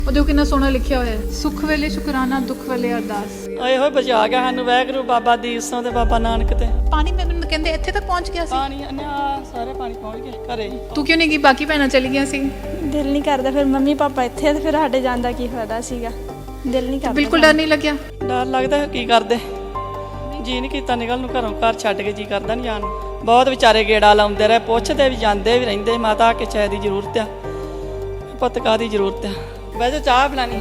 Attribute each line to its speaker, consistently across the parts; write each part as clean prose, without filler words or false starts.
Speaker 1: ਉਹ ਦੇਖੋ ਕਿੰਨਾ ਸੋਹਣਾ ਲਿਖਿਆ ਹੋਇਆ ਹੈ, ਸੁੱਖ ਵੇਲੇ ਸ਼ੁਕਰਾਨਾ, ਦੁੱਖ ਵੇਲੇ ਅਰਦਾਸ।
Speaker 2: ਆਏ ਹੋਏ ਬਚਾ ਗਿਆ ਸਾਨੂੰ ਵਾਹਿਗੁਰੂ ਬਾਬਾ ਦੀਪ ਸਿੰਘ ਤੇ ਬਾਬਾ ਨਾਨਕ ਤੇ।
Speaker 1: ਪਾਣੀ ਮੈਨੂੰ ਕਹਿੰਦੇ ਇੱਥੇ ਤੱਕ ਪਹੁੰਚ ਗਿਆ ਸੀ।
Speaker 2: ਪਾਣੀ ਸਾਰੇ ਪਾਣੀ ਪਹੁੰਚ ਗਏ ਘਰੇ।
Speaker 1: ਤੂੰ ਕਿਉਂ ਨਹੀਂ ਗਈ? ਬਾਕੀ ਭੈਣਾਂ ਚਲੀ ਗਈਆਂ ਸੀ।
Speaker 3: ਦਿਲ ਨਹੀਂ ਕਰਦਾ, ਫਿਰ ਮੰਮੀ ਪਾਪਾ ਇੱਥੇ ਤੇ ਫਿਰ ਸਾਡੇ ਜਾਣ ਦਾ ਕੀ ਫਾਇਦਾ ਸੀਗਾ। ਦਿਲ ਨਹੀਂ ਕਰਦਾ।
Speaker 1: ਬਿਲਕੁਲ ਡਰ ਨਹੀਂ ਲੱਗਿਆ?
Speaker 2: ਡਰ ਲੱਗਦਾ, ਕੀ ਕਰਦੇ, ਜੀ ਨਹੀਂ ਕੀਤਾ ਨਿਕਲ ਨੂੰ ਘਰੋਂ। ਘਰ ਛੱਡ ਕੇ ਜੀ ਕਰਦਾ ਨਹੀਂ ਜਾਣ ਨੂੰ। ਬਹੁਤ ਵਿਚਾਰੇ ਗੇੜਾ ਲਾਉਂਦੇ ਰਹੇ, ਪੁੱਛਦੇ ਵੀ ਜਾਂਦੇ ਵੀ ਰਹਿੰਦੇ, ਮਾਤਾ ਕਿ ਚਾਹ ਦੀ ਜ਼ਰੂਰਤ ਆ, ਪੁੱਤ ਕਾਹਦੀ ਜ਼ਰੂਰਤ ਆ। ਵੈਸੇ ਚਾਹ ਬਣਾਈਏ।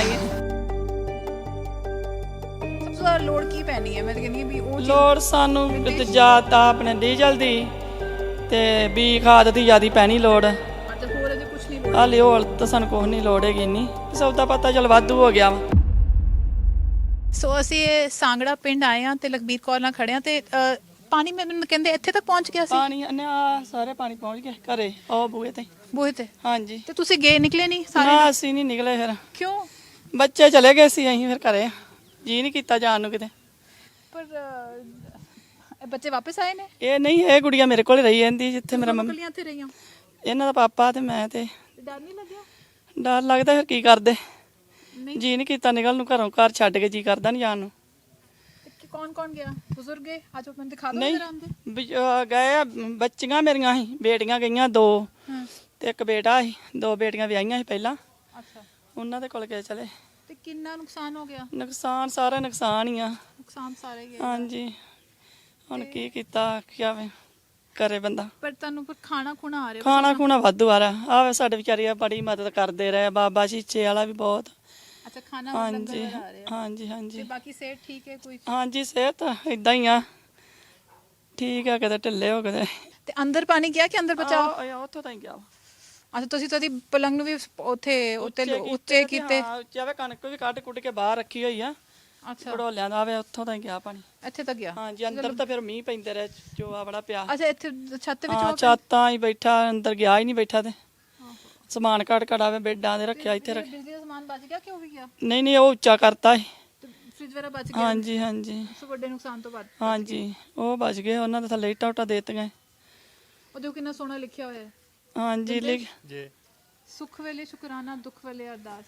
Speaker 1: ਸਭ ਤੋਂ ਜ਼ਿਆਦਾ ਲੋੜ ਕੀ ਪੈਣੀ ਹੈ? ਮੈਂ ਤਾਂ ਕਹਿੰਦੀ ਹਾਂ ਵੀ ਉਹ
Speaker 2: ਲੋੜ ਸਾਨੂੰ ਜ਼ਿਆਦਾ ਆਪਣੇ ਡੀਜ਼ਲ ਦੀ ਤੇ ਬੀ ਖਾਦ ਦੀ ਜ਼ਿਆਦਾ ਪੈਣੀ ਲੋੜ।
Speaker 1: ਅੱਛਾ, ਹੋਰ ਅਜੇ ਕੁਝ ਨਹੀਂ ਲੋੜ?
Speaker 2: ਹਾਲੇ ਹੋਰ ਤਾਂ ਸਾਨੂੰ ਕੁਛ ਨਹੀਂ ਲੋੜ ਹੈਗੀ ਇੰਨੀ, ਸੌਦਾ ਪਤਾ ਚੱਲ ਵਾਧੂ ਹੋ ਗਿਆ ਵਾ।
Speaker 1: ਸੋ ਅਸੀਂ ਸਾਂਗੜਾ ਪਿੰਡ ਆਏ ਹਾਂ ਤੇ ਲਖਬੀਰ ਕੌਰ ਨਾਲ ਖੜੇ ਹਾਂ ਤੇ ਪਾਣੀ ਮੈਨੂੰ ਕਹਿੰਦੇ ਇੱਥੇ ਤੱਕ ਪਹੁੰਚ ਗਿਆ ਸੀ।
Speaker 2: ਪਾਣੀ ਸਾਰੇ ਪਾਣੀ ਪਹੁੰਚ ਗਏ ਘਰੇ, ਉਹ ਬੂਹੇ ਤੇ।
Speaker 1: ਬੂਹੇ ਤੇ?
Speaker 2: ਹਾਂਜੀ।
Speaker 1: ਤੇ ਤੁਸੀਂ ਗਏ ਨਿਕਲੇ ਨਹੀਂ ਸਾਰੇ?
Speaker 2: ਨਾ ਅਸੀਂ ਨਹੀਂ ਨਿਕਲੇ ਫਿਰ।
Speaker 1: ਕਿਉਂ?
Speaker 2: ਬੱਚੇ ਚਲੇ ਗਏ ਸੀ, ਅਸੀਂ ਫਿਰ ਘਰੇ ਜੀ ਨਹੀਂ ਕੀਤਾ ਜਾਣ ਨੂੰ ਕਿਤੇ।
Speaker 1: ਪਰ ਬੱਚੇ ਵਾਪਸ ਆਏ ਨੇ?
Speaker 2: ਇਹ ਨਹੀਂ, ਇਹ ਗੁੜੀਆ ਮੇਰੇ ਕੋਲ ਰਹੀ ਜਾਂਦੀ ਜਿੱਥੇ ਮੇਰਾ ਮੰਮੀ।
Speaker 1: ਕੱਲੀਆਂ ਇੱਥੇ ਰਹੀਆਂ?
Speaker 2: ਇਹਨਾਂ ਦਾ ਪਾਪਾ ਤੇ ਮੈਂ ਤੇ।
Speaker 1: ਡਰ ਨਹੀਂ ਲੱਗਿਆ?
Speaker 2: ਡਰ ਲੱਗਦਾ, ਫਿਰ ਕੀ ਕਰਦੇ,
Speaker 1: ਨਹੀਂ।
Speaker 2: ਜੀ ਨਹੀਂ ਕੀਤਾ ਨਿਕਲ ਨੂੰ ਘਰੋਂ। ਘਰ ਛੱਡ ਕੇ ਜੀ ਕਰਦਾ ਨਹੀਂ ਜਾਣ ਨੂੰ।
Speaker 1: ਕੌਣ ਕੌਣ ਗਿਆ? ਬਜ਼ੁਰਗ ਗਏ? ਅੱਜ ਮੈਨੂੰ ਦਿਖਾ ਦਿਓ
Speaker 2: ਨਹੀਂ
Speaker 1: ਜਰਾ ਆਂਦੇ।
Speaker 2: ਗਏ ਆ, ਬੱਚੀਆਂ ਮੇਰੀਆਂ ਸੀ, ਬੇਟੀਆਂ ਗਈਆਂ 2
Speaker 1: ਹਾਂ।
Speaker 2: ਤੇ ਇੱਕ ਬੇਟਾ ਸੀ। 2 ਬੇਟੀਆਂ ਵਿਆਹੀਆਂ ਸੀ ਪਹਿਲਾਂ,
Speaker 1: ਅੱਛਾ।
Speaker 2: ਉਹਨਾਂ ਦੇ ਕੋਲ ਗਏ ਚਲੇ।
Speaker 1: ਤੇ ਕਿੰਨਾ ਨੁਕਸਾਨ ਹੋ ਗਿਆ?
Speaker 2: ਨੁਕਸਾਨ ਸਾਰਾ ਨੁਕਸਾਨ ਹੀ ਆ।
Speaker 1: ਨੁਕਸਾਨ ਸਾਰੇ ਗਏ।
Speaker 2: ਹਾਂਜੀ, ਹੁਣ ਕੀ ਕੀਤਾ ਕਿਆ ਕਰੇ ਬੰਦਾ।
Speaker 1: ਪਰ ਤੁਹਾਨੂੰ ਫਿਰ ਖਾਣਾ ਖੁਣਾ ਆ ਰਿਹਾ?
Speaker 2: ਖਾਣਾ ਖੂਣਾ ਵਾਧੂ ਆ ਰਿਹਾ। ਆਵੇ ਸਾਡੇ ਵਿਚਾਰੀ ਆ ਬੜੀ ਮਦਦ ਕਰਦੇ ਰਹੇ, ਬਾਬਾ ਸ਼ੀਚੇ ਵਾਲਾ ਵੀ ਬਹੁਤ।
Speaker 1: ਅੱਛਾ, ਖਾਣਾ
Speaker 2: ਹਾਂਜੀ
Speaker 1: ਲੰਗਰ ਆ ਰਿਹਾ।
Speaker 2: ਹਾਂਜੀ
Speaker 1: ਤੇ
Speaker 2: ਹਾਂਜੀ
Speaker 1: ਬਾਕੀ ਸਿਹਤ ਠੀਕ ਹੈ ਕੋਈ?
Speaker 2: ਹਾਂਜੀ, ਸਿਹਤ ਇਦਾਂ ਹੀ ਆ, ਠੀਕ ਆ, ਕਦੇ ਢਿੱਲੇ ਹੋ ਕਦੇ।
Speaker 1: ਤੇ ਅੰਦਰ ਪਾਣੀ ਗਿਆ ਕਿ ਅੰਦਰ ਬਚਾਓ?
Speaker 2: ਉੱਥੋਂ ਤਾਂ ਹੀ ਗਿਆ ਵਾ।
Speaker 1: ਅੱਛਾ, ਤੁਸੀਂ ਤਾਂ ਦੀ ਪਲੰਗ ਨੂੰ ਵੀ ਉੱਤੇ ਕੀਤੇ?
Speaker 2: ਹਾਂ, ਉੱਚੇ ਆਵੇ, ਕਣਕ ਵੀ ਕੱਢ ਕੁੱਟ ਕੇ ਬਾਹਰ ਰੱਖੀ ਹੋਈ ਆ।
Speaker 1: ਅੱਛਾ,
Speaker 2: ਘੜੋਲਿਆਂ ਦਾ ਆਵੇ, ਉੱਥੋਂ ਤਾਂ ਹੀ ਗਿਆ ਪਾਣੀ।
Speaker 1: ਇੱਥੇ ਤੱਕ ਗਿਆ?
Speaker 2: ਹਾਂਜੀ, ਅੰਦਰ ਤਾਂ ਫਿਰ ਮੀਂਹ ਪੈਂਦੇ ਰਹੇ, ਚੋਆ ਬੜਾ ਪਿਆ।
Speaker 1: ਅੱਛਾ, ਇੱਥੇ ਛੱਤ ਵਿੱਚ
Speaker 2: ਹਾਂ, ਛਾਤਾਂ ਹੀ ਬੈਠਾ, ਅੰਦਰ ਗਿਆ ਹੀ ਨਹੀਂ ਬੈਠਾ। ਤੇ ਸਮਾਨ ਕੱਢ ਕਢਾਵੇ ਬੈੱਡਾਂ ਦੇ ਰੱਖਿਆ ਇੱਥੇ ਰੱਖ।
Speaker 1: ਬਿਜਲੀ ਦਾ ਸਮਾਨ ਬਚ ਗਿਆ ਕਿ ਉਹ ਵੀ ਗਿਆ?
Speaker 2: ਨਹੀਂ, ਉਹ ਉੱਚਾ ਕਰਤਾ ਸੀ।
Speaker 1: ਤੇ ਫ੍ਰਿਜ ਵਗੈਰਾ ਬਚ ਗਿਆ?
Speaker 2: ਹਾਂਜੀ ਹਾਂਜੀ
Speaker 1: ਸੋ ਵੱਡੇ ਨੁਕਸਾਨ ਤੋਂ ਬਾਅਦ?
Speaker 2: ਹਾਂਜੀ, ਉਹ ਬਚ ਗਏ, ਉਹਨਾਂ ਦੇ ਥੱਲੇ ਇੱਟਾਂ ਉੱਟਾਂ ਦੇ ਦਿੱਤੀਆਂ।
Speaker 1: ਉਹ ਦੇਖੋ ਕਿੰਨਾ ਸੋਹਣਾ ਲਿਖਿਆ ਹੋਇਆ ਹੈ,
Speaker 2: ਹਾਂਜੀ ਲਿਖ
Speaker 4: ਜੀ।
Speaker 1: ਸੁੱਖ ਵੇਲੇ ਸ਼ੁਕਰਾਨਾ, ਦੁੱਖ ਵੇਲੇ ਅਰਦਾਸ।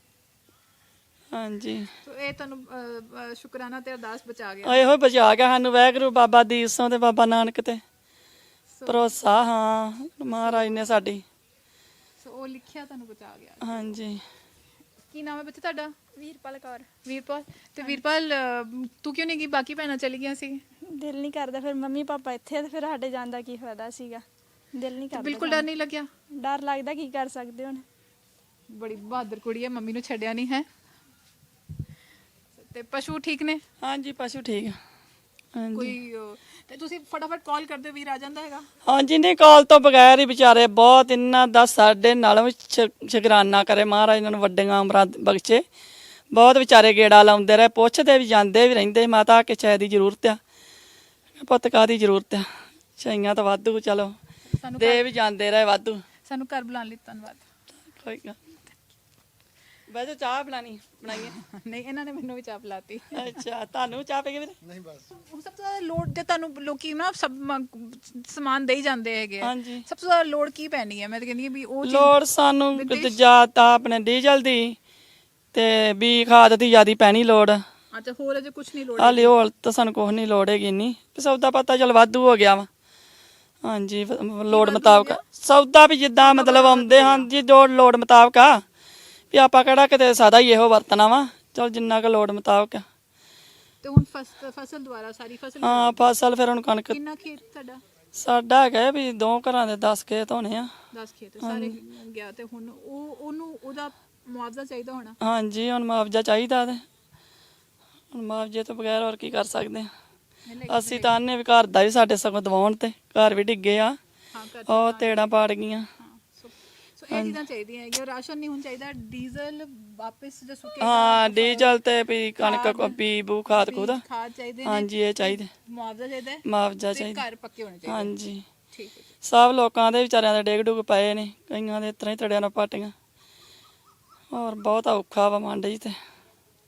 Speaker 2: ਹਾਂਜੀ,
Speaker 1: ਸੋ ਇਹ ਤੁਹਾਨੂੰ ਸ਼ੁਕਰਾਨਾ ਤੇ ਅਰਦਾਸ ਬਚਾ ਗਿਆ।
Speaker 2: ਆਏ ਹੋਏ ਬਚਾ ਗਿਆ ਸਾਨੂੰ ਵਾਹਿਗੁਰੂ ਬਾਬਾ ਦੀਪ ਸਿੰਘ ਤੇ ਬਾਬਾ ਨਾਨਕ ਤੇ।
Speaker 1: ਸੋ
Speaker 2: ਭਰੋਸਾ ਹਾਂ ਮਹਾਰਾਜ ਨੇ ਸਾਡੀ।
Speaker 1: ਉਹ ਲਿਖਿਆ ਤੁਹਾਨੂੰ ਬਚਾ ਗਿਆ।
Speaker 2: ਹਾਂਜੀ।
Speaker 1: ਕੀ ਨਾਮ ਹੈ ਬੱਚੇ ਤੁਹਾਡਾ?
Speaker 3: ਵੀਰਪਾਲ ਕੌਰ।
Speaker 1: ਵੀਰਪਾਲ। ਤੇ ਵੀਰਪਾਲ ਤੂੰ ਕਿਉਂ ਨਹੀਂ ਗਈ? ਬਾਕੀ ਭੈਣਾਂ ਚਲੀ ਗਈਆਂ ਸੀ।
Speaker 3: ਦਿਲ ਨਹੀਂ ਕਰਦਾ, ਫਿਰ ਮੰਮੀ ਪਾਪਾ ਇੱਥੇ ਤੇ ਫਿਰ ਸਾਡੇ ਜਾਣ ਦਾ ਕੀ ਫਾਇਦਾ ਸੀਗਾ। ਦਿਲ ਨਹੀਂ ਕਰਦਾ।
Speaker 1: ਬਿਲਕੁਲ ਡਰ ਨਹੀਂ ਲੱਗਿਆ?
Speaker 3: ਡਰ ਲੱਗਦਾ, ਕੀ ਕਰ ਸਕਦੇ ਹੁਣ।
Speaker 1: ਬੜੀ ਬਹਾਦਰ ਕੁੜੀ ਹੈ, ਮੰਮੀ ਨੂੰ ਛੱਡਿਆ ਨਹੀਂ ਹੈ। ਤੇ ਪਸ਼ੂ ਠੀਕ ਨੇ?
Speaker 2: ਹਾਂਜੀ, ਪਸ਼ੂ ਠੀਕ ਆ। ਹਾਂਜੀ
Speaker 1: ਕੋਈ ਤੇ ਤੁਸੀਂ ਫਟਾਫਟ ਕਾਲ ਕਰਦੇ ਹੋ, ਵੀਰ ਆ ਜਾਂਦਾ ਹੈਗਾ?
Speaker 2: ਹਾਂਜੀ, ਨਹੀਂ ਕਾਲ ਤੋਂ ਬਗੈਰ ਹੀ ਵਿਚਾਰੇ ਬਹੁਤ, ਇਹਨਾਂ ਦਾ ਸਾਡੇ ਨਾਲ ਵੀ ਸ਼ੁਕਰਾਨਾ ਕਰੇ ਮਹਾਰਾਜ, ਇਹਨਾਂ ਨੂੰ ਵੱਡੀਆਂ ਉਮਰਾਂ ਬਖਸ਼ੇ। ਬਹੁਤ ਵਿਚਾਰੇ ਗੇੜਾ ਲਾਉਂਦੇ ਰਹੇ, ਪੁੱਛਦੇ ਵੀ ਜਾਂਦੇ ਵੀ ਰਹਿੰਦੇ, ਮਾਤਾ ਕਿ ਚਾਹ ਦੀ ਜ਼ਰੂਰਤ ਆ, ਪੁੱਤ ਕਾਹਦੀ ਜ਼ਰੂਰਤ ਆ। ਚਾਹੀਆਂ ਤਾਂ ਵਾਧੂ, ਚਲੋ ਦੇ ਵੀ ਜਾਂਦੇ ਰਹੇ ਵਾਧੂ।
Speaker 1: ਸਾਨੂੰ ਘਰ ਬੁਲਾਉਣ ਲਈ ਧੰਨਵਾਦ।
Speaker 2: ਕੋਈ ਗੱਲ। ਵੈਸੇ ਚਾਹ ਬਣਾਈਏ।
Speaker 1: ਨਹੀਂ, ਇਹਨਾਂ ਨੇ ਮੈਨੂੰ ਵੀ ਚਾਹ ਪਿਲਾਤੀ।
Speaker 2: ਅੱਛਾ, ਤੁਹਾਨੂੰ ਚਾਹ ਪੀ ਕੇ ਵੀਰੇ?
Speaker 4: ਨਹੀਂ ਬਸ।
Speaker 1: ਹੁਣ ਸਭ ਤੋਂ ਜ਼ਿਆਦਾ ਲੋੜ ਤੇ ਤੁਹਾਨੂੰ ਲੋਕੀ ਨਾ ਸਭ ਸਮਾਨ ਦੇਈ ਜਾਂਦੇ ਹੈਗੇ ਆ।
Speaker 2: ਹਾਂਜੀ।
Speaker 1: ਸਭ ਤੋਂ ਜ਼ਿਆਦਾ ਲੋੜ ਕੀ ਪੈਣੀ ਹੈ? ਮੈਂ ਤਾਂ ਕਹਿੰਦੀ ਹਾਂ ਵੀ ਉਹ
Speaker 2: ਲੋੜ ਸਾਨੂੰ ਜ਼ਿਆਦਾ ਆਪਣੇ ਡੀਜ਼ਲ ਦੀ ਤੇ ਬੀ ਖਾਦ ਦੀ ਜ਼ਿਆਦਾ ਪੈਣੀ ਲੋੜ।
Speaker 1: ਅੱਛਾ, ਹੋਰ ਅਜੇ ਕੁਝ ਨਹੀਂ ਲੋੜ?
Speaker 2: ਹਾਲੇ ਹੋਰ ਤਾਂ ਸਾਨੂੰ ਕੁਛ ਨਹੀਂ ਲੋੜ ਹੈਗੀ ਇੰਨੀ, ਸੌਦਾ ਪਤਾ ਚੱਲ ਵਾਧੂ ਹੋ ਗਿਆ ਵਾ। ਹਾਂਜੀ, ਲੋੜ ਮੁਤਾਬਕ ਸੌਦਾ ਵੀ ਜਿੱਦਾਂ ਮਤਲਬ ਆਉਂਦੇ ਹਨ ਜੀ, ਜੋ ਲੋੜ ਮੁਤਾਬਕ ਆ ਵੀ ਆਪਾਂ ਕਿਹੜਾ ਕਿਤੇ ਸਾਦਾ ਹੀ ਇਹੋ ਵਰਤਣਾ ਵਾ, ਚਲ ਜਿੰਨਾ ਕੁ ਲੋੜ ਮੁਤਾਬਕ ਆ।
Speaker 1: ਤੇ ਹੁਣ ਫਸਲ ਦੁਆਰਾ ਸਾਰੀ ਫਸਲ?
Speaker 2: ਹਾਂ, ਫਸਲ ਫਿਰ ਹੁਣ ਕਣਕ।
Speaker 1: ਕਿੰਨਾ ਖੇਤ ਤੁਹਾਡਾ?
Speaker 2: ਸਾਡਾ ਹੈਗਾ ਵੀ 2 ਘਰਾਂ ਦੇ 10 ਖੇਤ ਹੋਣੇ ਆ।
Speaker 1: 10 ਖੇਤ ਸਾਰੇ ਗਿਆ। ਤੇ ਹੁਣ ਉਹਦਾ ਮੁਆਵਜ਼ਾ ਚਾਹੀਦਾ ਹੋਣਾ?
Speaker 2: ਹਾਂਜੀ, ਹੁਣ ਮੁਆਵਜ਼ਾ ਚਾਹੀਦਾ ਤੇ ਹੁਣ ਮੁਆਵਜ਼ੇ ਤੋਂ ਬਗੈਰ ਹੋਰ ਕੀ ਕਰ ਸਕਦੇ ਆ। ਅਸੀਂ ਤਾਂ ਆਨੇ ਵੀ ਘਰ ਦਾ ਵੀ ਸਾਡੇ ਸਗੋਂ ਦਵਾਉਣ, ਤੇ ਘਰ ਵੀ ਡਿੱਗੇ ਆ, ਉਹ ਤੇੜਾਂ ਪਾੜ ਗਈਆਂ।
Speaker 1: ਸੋ ਇਹ ਚੀਜ਼ਾਂ ਚਾਹੀਦੀਆਂ ਹੈਗੀਆਂ। ਰਾਸ਼ਨ ਨਹੀਂ ਹੁਣ ਚਾਹੀਦਾ, ਡੀਜ਼ਲ ਵਾਪਸ ਜੋ ਸੁੱਕੇ
Speaker 2: ਹਾਂ, ਡੀਜ਼ਲ ਤੇ ਵੀ ਕਣਕ ਬੀ ਬੂ ਖਾਦ ਖੁਦ।
Speaker 1: ਖਾਦ ਚਾਹੀਦੇ ਨੇ।
Speaker 2: ਹਾਂਜੀ, ਇਹ ਚਾਹੀਦੇ।
Speaker 1: ਮੁਆਵਜ਼ਾ ਚਾਹੀਦਾ ਹੈ।
Speaker 2: ਮੁਆਵਜ਼ਾ
Speaker 1: ਤੇ
Speaker 2: ਚਾਹੀਦਾ।
Speaker 1: ਘਰ ਪੱਕੇ ਹੋਣੇ ਚਾਹੀਦੇ।
Speaker 2: ਹਾਂਜੀ,
Speaker 1: ਠੀਕ ਹੈ ਜੀ।
Speaker 2: ਸਭ ਲੋਕਾਂ ਦੇ ਵਿਚਾਰਿਆਂ ਦੇ ਡਿੱਗ ਡੁੱਗ ਪਏ ਨੇ, ਕਈਆਂ ਦੇ ਇਸ ਤਰ੍ਹਾਂ ਹੀ ਤੜਿਆਂ ਨਾਲ ਪਾਟੀਆਂ। ਹੋਰ ਬਹੁਤ ਔਖਾ ਵਾ ਮੰਡ ਜੀ ਤੇ।